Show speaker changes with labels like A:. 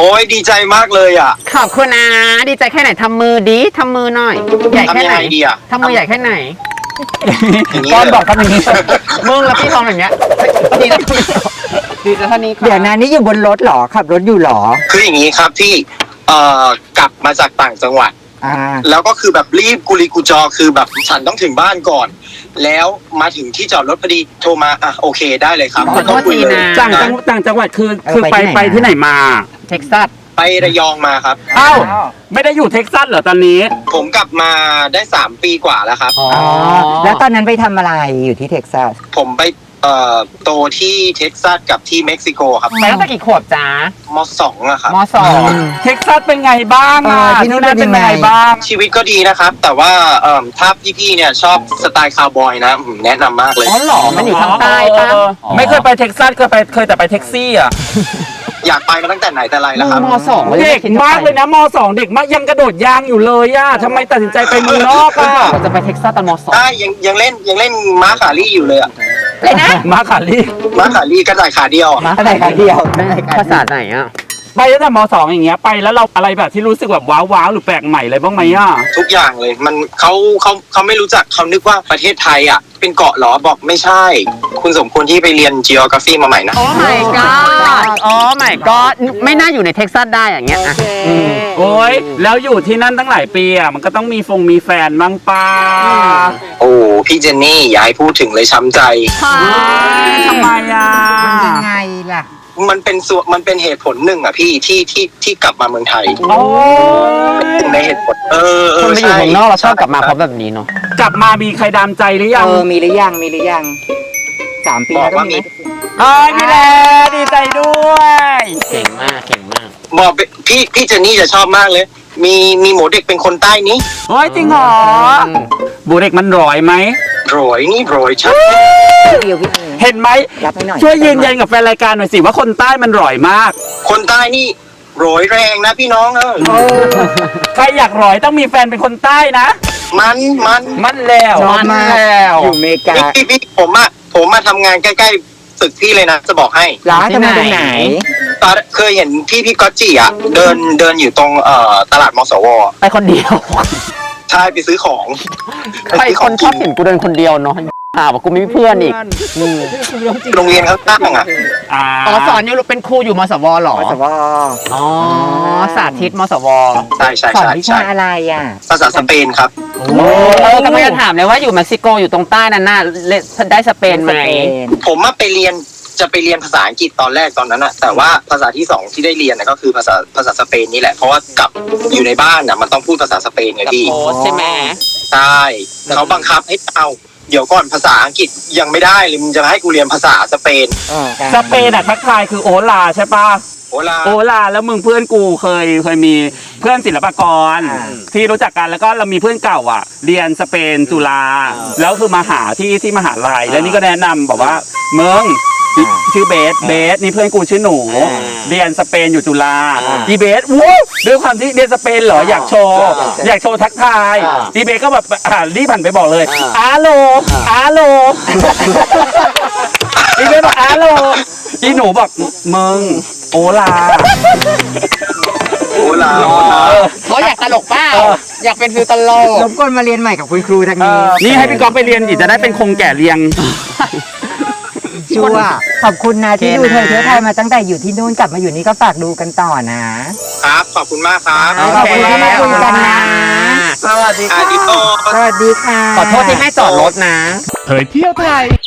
A: โอ้ยดีใจมากเลยอ่ะ
B: ขอบคุณนะดีใจแค่ไหนทำมือดีทำมือหน่อยใหญ่แค่ไหน
A: ทำยังไงดีอะ
B: ทำมือใหญ่แค่ไหน
A: อย่างนี้
B: ก้อน
A: เลย
B: บอกทำอย่างนี้มึงแล้วพี่ทองอย่างเงี้ยดีแล้วดีแล้วเท่านี้ค่ะ
C: เดี๋ยวนะนี่อยู่บนรถเหรอขับรถอยู่เหรอ
A: คืออย่างนี้ครับพี่กลับมาจากต่างจังหวัด
C: อ่า
A: แล้วก็คือแบบรีบกุลีกุจอคือแบบฉันต้องถึงบ้านก่อน แล้วมาถึงที่จอดรถพอดีโทรมาอ่ะโอเคได้เลยครับ
B: ขอโทษทีนะ
D: ต่างจังหวัดคือไปที่ไหนมา
B: เท็กซัส
A: ไประยองมาครับ
D: เอ้าไม่ได้อยู่เท็กซัสเหรอตอนนี้
A: ผมกลับมาได้3 ปีกว่าแล้วครับ
B: อ๋อ
C: อ๋อแล้วตอนนั้นไปทำอะไรอยู่ที่เท็กซัส
A: ผมไปโตที่เท็กซัสกับที่เม็กซิโกครับ
B: ไปตั้งแต่กี่ขวบจ๊ะ
A: ม2อะครับ
B: มสอง
D: เท็กซัสเป็นไงบ้างอ่ะ
C: ที่นู่นเป็นยังไง
D: บ้าง
A: ชีวิตก็ดีนะครับ แต่ว่าถ้าพี่ๆเนี่ยชอบสไตล์คาวบอยนะแนะนำมากเลย
B: อ๋อเหรอมันอยู่ทางใต้ปะ
D: ไม่เคยไปเท็กซัสเคยแต่ไปแท็กซี่อ่ะ
A: อยากไปมาตั้งแต่ไหนแต่ไรแล้วครับ
B: มสอง
D: เด็กมากเลยนะม.2 เด็กมากยังกระโดดยางอยู่เลยอ่ะทำไมตัดสินใจไปเมืองนอกอ่ะ
B: เราจะไปเท็กซัสตอนมสอง
A: ได้ยังเล่นม้าขาลี่อยู่เลยอะ
B: เลยนะ
D: มาขาลี่
A: ม้าขาลี่กระต่ายขาเดียวอะ
C: อะไรคะเดียว
B: ภาษาไหนอ่ะ
D: ไปตั้งแต่ม.2 อย่างเงี้ยไปแล้วเราอะไรแบบที่รู้สึกแบบว้าวหรือแปลกใหม่อะไรบ้างไหมอ่ะ
A: ทุกอย่างเลยมันเขาไม่รู้จักเขานึกว่าประเทศไทยอ่ะเป็นเกาะเหรอบอกไม่ใช่ คุณสมควรที่ไปเรียน geography มาใหม่นะ
B: โอ้ my god โอ้ my god ไม่น่าอยู่ในเท็กซัสได้อย่างเงี้ยอ่ะ
D: โอ้ยแล้วอยู่ที่นั่นตั้งหลายปีอ่ะมันก็ต้องมีแฟนบ้างป้า
A: โอ้พี่เจนนี่อย่าให้พูดถึงเลยช้ำใจ
D: ทำไมอ่ะ
C: ยังไงล่ะ
A: มันเป็นเหตุผลหนึ่งอ่ะพี่ที่กลับมาเมืองไทย
D: โอ้ย
A: ในเหตุผล
B: คนไปอยู่
A: ใช่
B: เมืองนอกเราชอบกลับมาเพราะแบบนี้เนาะ
D: กลับมามีใครดามใจหรือยัง
C: มีหรือยัง3 ปี
A: บอก
C: แล้ว
A: ว่ามี
D: มีแล้วดีใจด้วย
B: เก่งมากเก่งมาก
A: บอกพี่เจนนี่จะชอบมากเลย มีหมูเด็กเป็นคนใต้นี้
D: โอ้ยจริงเหรอบูเด็กมันร้อยไหม
A: โรยนี่โรยชัด
C: เดียวพี่เอ
D: เห็นไหม
C: รับให้หน่อย
D: ช่วยยืนยันกับแฟนรายการหน่อยสิว่าคนใต้มันร้อยมาก
A: คนใต้นี่โรยแรงนะพี่น้อง
D: ใครอยากร้อยต้องมีแฟนเป็นคนใต้นะ
A: มัน
D: มันแล้ว
C: ชอบมาก
D: แล้ว
C: อยู่อเมริกา
A: พี่ผมมาทำงานใกล้ๆตึกพี่เลยนะจะบอกให้
C: ร้านทำงานตรงไหน
A: ตอนเคยเห็นพี่ก๊อตจิอ่ะเดินอยู่ตรงตลาดมสว
B: ไปคนเดียว
A: ใช่ไปซื้อของ
B: ใครคนชอบเห็นกูเดินคนเดียวเนาะว่ากูไม่มีเพื่อนอีก
A: โรงเรียนข้างๆอ่ะ
B: อ๋อสอนอยู่เป็นครูอยู่มสวเหรอ
C: มสว
B: อ๋อสาธิตมสว
A: ใช่ใช่
C: สอน
A: ใช่
C: วิ
A: ใช่
C: ชาอะไรอ่ะ
A: ภาษาสเปนครับ
B: กำลังจะถามเลยว่าอยู่เม็กซิโกอยู่ตรงใต้นั่นน่ะได้สเปนไหม
A: ผมมาไปเรียนภาษาอังกฤษตอนแรกตอนนั้นอะแต่ว่าภาษาที่2ที่ได้เรียนนะก็คือภาษาสเปนนี่แหละเพราะว่ากลับอยู่ในบ้านอะมันต้องพูดภาษาสเปนไงพี่
B: โพสใช่ไหม
A: ใช่เขาบังคับให้เอาเดี๋ยวก่อนภาษาอังกฤษยังไม่ได้เลยมึงจะให้กูเรียนภาษาสเปน
D: สเปนอะทักทายคือโอลาใช่ปะ
A: โอลา
D: โอลาแล้วมึงเพื่อนกูเคยมีเพื่อนศิลปากรที่รู้จักกันแล้วก็เรามีเพื่อนเก่าอ่ะ เรียนสเปนจุฬาแล้วคือมาหาที่มหาลัยแล้วนี่ก็แนะนำบอกว่ามึงชื่อเบสนี่เพื่อนกูชื่อหนูเรียนสเปนอยู่จุฬาอีเบสวู้ด้วยความที่เรียนสเปนเหรออยากโชว์ทักทายอีเบสก็แบบรีบผ่านไปบอกเลยอาโลอีเบสบอกอาโลอีหนูบอกมึงโอลา
A: โอลา
B: เขาอยากตลกเปล่าอยากเป็นฟิลตลก
C: รบกวนมาเรียนใหม่กับคุณครูทางนี้
D: นี่ให้พี่ก๊อฟไปเรียนอีกจะได้เป็นคงแก่เรียง
C: ชัวร์ขอบคุณนะที่ดูเธอเที่ยวไทยมาตั้งแต่อยู่ที่นู่นกลับมาอยู่นี่ก็ฝากดูกันต่อนะครับ
A: ขอบคุณมากครับ
C: ขอบคุณที่มาคุยกันนะ
B: สวัสดี
A: อาดิโต
C: สวัสดีค่ะ
B: ขอโทษที่ให้จอดรถนะ
E: เผยเที่ยวไทย